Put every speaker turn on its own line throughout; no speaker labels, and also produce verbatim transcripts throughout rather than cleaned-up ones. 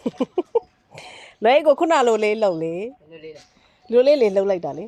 လဲကိုခုနလိုလေးလှုပ်လေလိုလေးလေးလှုပ်လိုက်တာလေ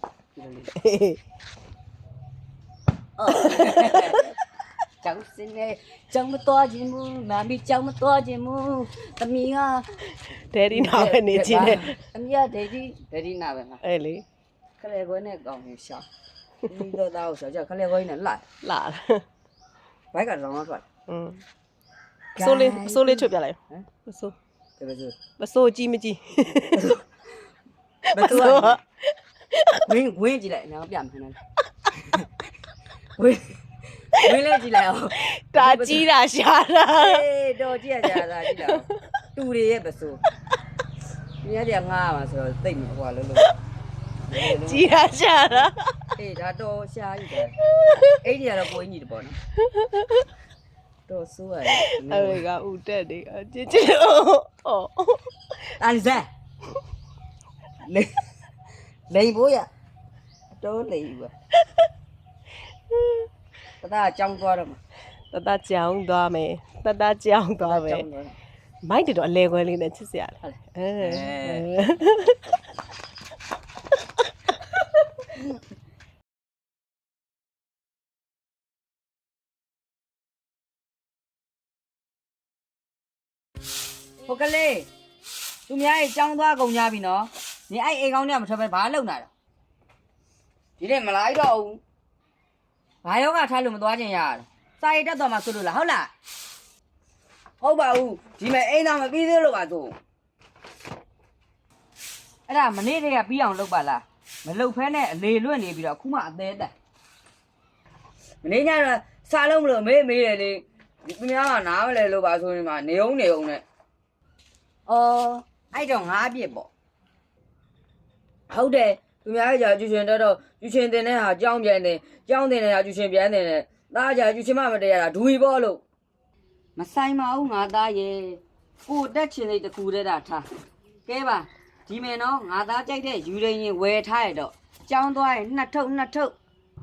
ကျောင်းစင်းနေကျောင်းမတော်ခြင်းမူမမီကျောင်းမတော်ခြင်းမူသမီးက
ဒယ်ဒီနာပဲနေချင်းနဲ့
အမေကဒယ်ဒီဒယ်ဒီနာပဲမှာ
အဲ့လေ
ခလေခွဲနဲ့ကောင်းနေရှာဒီတော့သားကိုဆိုကြခလေခွဲနဲ့လိုက်
လာ
ဘိုက်ကတော့တော့ထွက်
อืมဆိုးလေးဆိုးလေးချွတ်ပြလိုက်ဟမ်မဆိုး
တကယ်ဆို
မဆိုးကြီးမကြီး
ဘယ်သူကဝင်းဝင်းကြည့်လိုက်နော်ပြမယ်နော်ဝင်းဝင်းလေးကြည့်လိုက်အောင်
တာကြီးတာရှာတာ
အေးတော့ကြည့်ရကြတာကြည့်လိုက်အောင်တူတွေရဲ့ပစိုးဒီရတဲ့ငားမှာဆိုတော့သိမ့်ဟိုလုံးလုံး
ကြီးတာရှာတာ
အေးဒါတော့ရှားယူတယ်အဲ့ဒီကတော့ကိုင်းကြီးတပေါ့နော်တော့ဆိုးရတယ်
အဲ့ကဦးတက်နေအချစ်ချစ်အော်
တာလီဇာလေလိန်ဖို့ရတော့လိန်ဘူးတသားအကြောင်းသွားတော့မှာ
တတကြောင်သွားမယ်တတကြောင်သွားမယ်မိုက်တော့အလဲခွဲလေးနဲ့ချစ်စရာလေအဲ
ဟိုကလေးသူများရဲ့ကြောင်းသွားကုန်ကြပြီနော်နေအဲ့အိမ်ကောင်းเนี่ยမထွက်ပဲဘာလုပ်နေတာဒီနေ့မလာတော့ဘူးဘာယောဂထားလို့မသွားချင်ရတာစာရိတ်တက်တော်မှာဆိုလို့လားဟုတ်လားဟုတ်ပါဘူးဒီမဲ့အိမ်သားမပြီးသေးလို့ပါဆိုအဲ့ဒါမနေ့တည်းကပြီးအောင်လုပ်ပါလားမလုပ်ဖဲနဲ့အလေလွတ်နေပြီးတော့အခုမှအသေးတက်မနေ့ညတော့စားလုံးမလို့မေးမေးတယ်လေဒီသူများကနားမလဲလို့ပါဆိုရင်မှနေအောင်နေအောင်နဲ့အော်အဲ့တော့ငါးပြစ်ပေါ့ဟုတ်တယ်သူများကြာကျူရှင်တော့တော့ကျူရှင်တင်တဲ့ဟာကြောင်းပြန်တယ်ကြောင်းတင်တဲ့ဟာကျူရှင်ပြန်တယ်နဲ့သားကြာကျူရှင်မမတရားတာဒူရီပေါ့လို့မဆိုင်ပါဘူးငါသားရဲ့ကိုတက်ချင်တဲ့တခုတည်းတာထားကဲပါဒီမယ်နော်ငါသားကြိုက်တဲ့ယူရင်းရင်ဝယ်ထားရတော့ကြောင်းသွားရင်နှစ်ထုပ်နှစ်ထုပ်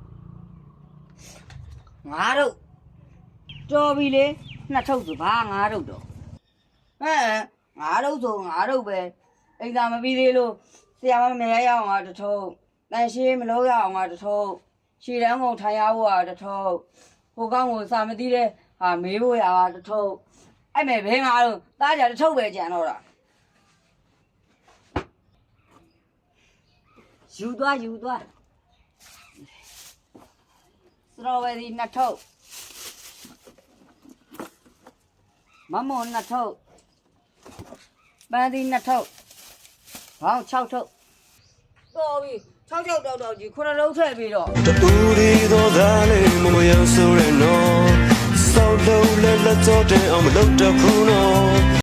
ငါတို့တော်ပြီလေနှစ်ထုပ်ဆိုဘာငါတို့တော့ဟဲ့ငါတို့ဆိုငါတို့ပဲအိမ်သာမပြီးသေးလို့ဆရာမမရရအောင်ငါတထုပ်တန်ရှင်းမလို့ရအောင်ငါတထုပ်ရှည်တန်းကုန်ထိုင်ရဖို့ကတထုပ်ဟိုကောင်းကိုစာမသိတဲ့ဟာမေးဖို့ရတာတထုပ်အဲ့မဲ့ဘဲငါတို့တားကြတထုပ်ပဲကြံတော့တာယူသွားယူသွားစတော်ဘယ်ရီနှစ်ထုပ်မမောနှစ်ထုပ်ပန်းသီးနှစ်ထုပ်ဟောင်း၆ထုပ်တော်ပြီ၆ထုပ်တော့တော့ကြီးခုနလုံးထည့်ပြီးတော့
တူရီသောသားလေးမမရောက်ဆိုရနော်စောက်လုံးလက်လက်တော့တဲ့အောင်မလုပ်တော့ဘူးနော်